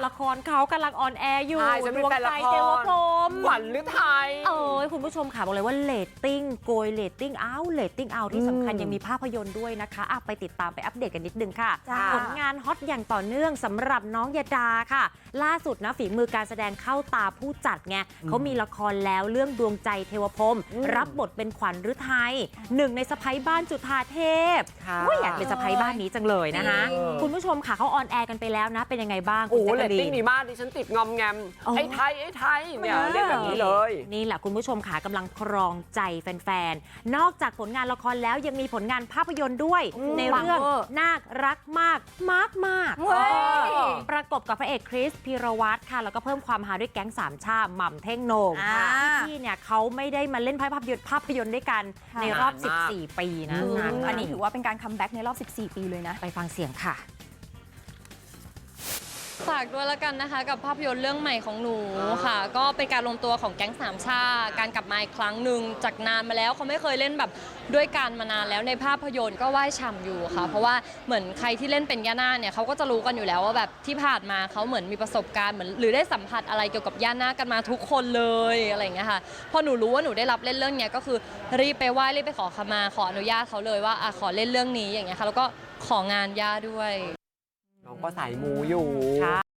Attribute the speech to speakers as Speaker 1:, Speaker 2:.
Speaker 1: ละครเขากำลังออนแอร์อยู่
Speaker 2: ใช่ฉันเป็นแฟนละคร
Speaker 1: ดวงใจเทวพรหม
Speaker 2: ขวัญฤทัย
Speaker 1: คุณผู้ชมค่ะบอกเลยว่าเรตติ้งโกยเรตติ้งเอาที่สำคัญยังมีภาพยนตร์ด้วยนะคะไปติดตามไปอัปเดตกันนิดนึงค่ะ ผลงานฮอตอย่างต่อเนื่องสำหรับน้องยดาค่ะ ล่าสุดนะฝีมือการแสดงเข้าตาผู้จัดไงเขามีละครแล้วเรื่องดวงใจเทวพรหมรับบทเป็นขวัญฤทัยหนึ่งในสะใภ้บ้านจุฑาเทพอยากเป็นสะใภ้บ้านนี้จังเลยนะคะคุณผู้ชมค่ะเขาออนแอร์กันไปแล้วนะเป็นยังไงบ้างคุณ
Speaker 2: โอ้
Speaker 1: แจ๊ก
Speaker 2: เร
Speaker 1: กะ
Speaker 2: ต
Speaker 1: ลี
Speaker 2: ติ้ง
Speaker 1: น
Speaker 2: ดีมากดิฉันติดงอมแงมไอ้ไทยเนี่ยเรียกแบบนี้เลย
Speaker 1: นี่แหละคุณผู้ชมค่ะกำลังครองใจแฟนๆ นอกจากผลงานละครแล้วยังมีผลงานภาพยนตร์ด้วยในเรื่องนาครักมากประกบกับพระเอกคริสพีรวัตรค่ะแล้วก็เพิ่มความฮาด้วยแก๊งสามชาหม่ำเท่งโหน่งพี่เนี่ยเขาไม่ได้มาเล่นภาพยนตร์ด้วยกันในรอบ 14 ปีนะ
Speaker 3: อันนี้ถือว่าเป็นการคัมแบ็กในรอบ 14 ปีเลยนะ
Speaker 1: ไปฟังเสียงค่ะ
Speaker 4: ฝากด้วยแล้วกันนะคะกับภาพยนตร์เรื่องใหม่ของหนูค่ะ ก็เป็นการรวมตัวของแก๊งสามชาการกลับมาอีกครั้งหนึ่งจากนานมาแล้วเขาไม่เคยเล่นแบบด้วยกันมานานแล้วในภาพยนตร์ก็ไหว้ฉ่ำอยู่ค่ะ เพราะว่าเหมือนใครที่เล่นเป็นย่านาคเนี่ยเขาก็จะรู้กันอยู่แล้วว่าแบบที่ผ่านมาเขาเหมือนมีประสบการณ์เหมือนหรือได้สัมผัสอะไรเกี่ยวกับย่านาคกันมาทุกคนเลยอะไรอย่างเงี้ยค่ะพอหนูรู้ว่าหนูได้รับเล่นเรื่องเนี้ยก็คือรีบไปไหว้รีบไปขอขมาขออนุญาตเขาเลยว่าขอเล่นเรื่องนี้อย่างเงี้ยค่ะแล้วก็ของานย่าด้วย
Speaker 2: น้องก็สายมูอยู่